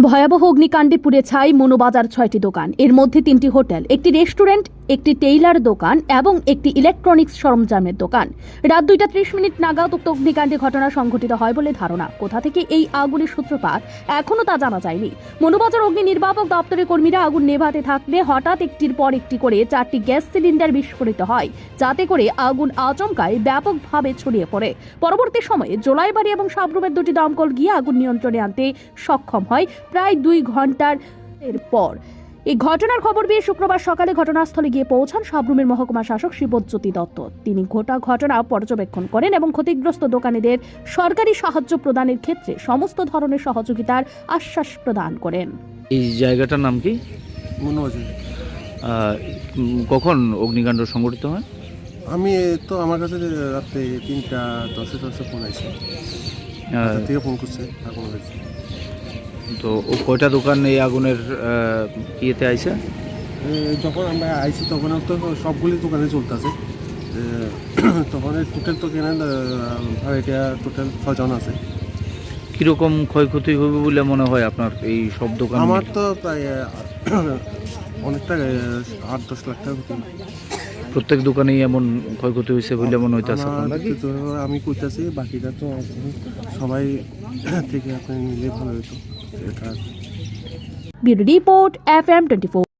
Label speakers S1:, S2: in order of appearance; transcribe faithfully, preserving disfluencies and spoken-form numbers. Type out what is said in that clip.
S1: ভয়াবহ অগ্নিকাণ্ডে পুড়ে ছাই মনোবাজার ছয়টি দোকান, এর মধ্যে তিনটি হোটেল, একটি রেস্টুরেন্ট, একটি টেইলার দোকান এবং একটি ইলেকট্রনিক্স সরঞ্জামের দোকান। রাত দুইটা ত্রিশ মিনিট নাগাদ উক্ত অগ্নিকাণ্ডে ঘটনা সংঘটিত হয় বলে ধারণা। কোথা থেকে এই আগুনের সূত্রপাত এখনও তা জানা যায়নি। মনোবাজার অগ্নি নির্বাপক দপ্তরের কর্মীরা আগুন নেভাতে থাকলে হঠাৎ একটির পর একটি করে চারটি গ্যাস সিলিন্ডার বিস্ফোরিত হয়, যাতে করে আগুন আচমকায় ব্যাপকভাবে ছড়িয়ে পড়ে। পরবর্তী সময়ে জোলাইবাড়ি এবং সাবরুমের দুটি দমকল গিয়ে আগুন নিয়ন্ত্রণে আনতে সক্ষম হয় প্রায় দুই ঘন্টার পর। এই ঘটনার খবর পেয়ে শুক্রবার সকালে ঘটনাস্থলে গিয়ে পৌঁছান সাবরুমের মহকুমা শাসক শিবজ্যোতি দত্ত। তিনি গোটা ঘটনা পর্যবেক্ষণ করেন এবং ক্ষতিগ্রস্ত দোকানীদের সরকারি সাহায্য প্রদানের ক্ষেত্রে সমস্ত ধরনের সহযোগিতার আশ্বাস প্রদান করেন।
S2: এই জায়গাটার নাম কি?
S3: মনোবাজার।
S2: কখন অগ্নিকাণ্ড সংঘটিত হয়?
S3: আমি তো আমার কাছে রাত্রে তিনটা দশে দশে ফোন আছে, থেকে ফোন করছে আগুন হয়েছে।
S2: তো ও কয়টা দোকান এই আগুনের ইয়েতে আইছে?
S3: যখন আমরা আইছি তখন তো সবগুলি দোকানে চলতেছে। তখন টোটাল তো কেনা এটা টোটাল ছজন আছে।
S2: কীরকম ক্ষয়ক্ষতি হবে বলে মনে হয় আপনার এই সব দোকান?
S3: আমার তো প্রায় অনেকটা আট দশ লাখ টাকা ক্ষতি।
S2: প্রত্যেক দোকানেই এমন ক্ষয়ক্ষতি হয়েছে বলে মনে হইতেছে?
S3: আমি কইতাছি বাকিটা তো সবাই থেকে আপনি নিলে ভালো হতো।
S1: Bureau report F M twenty four.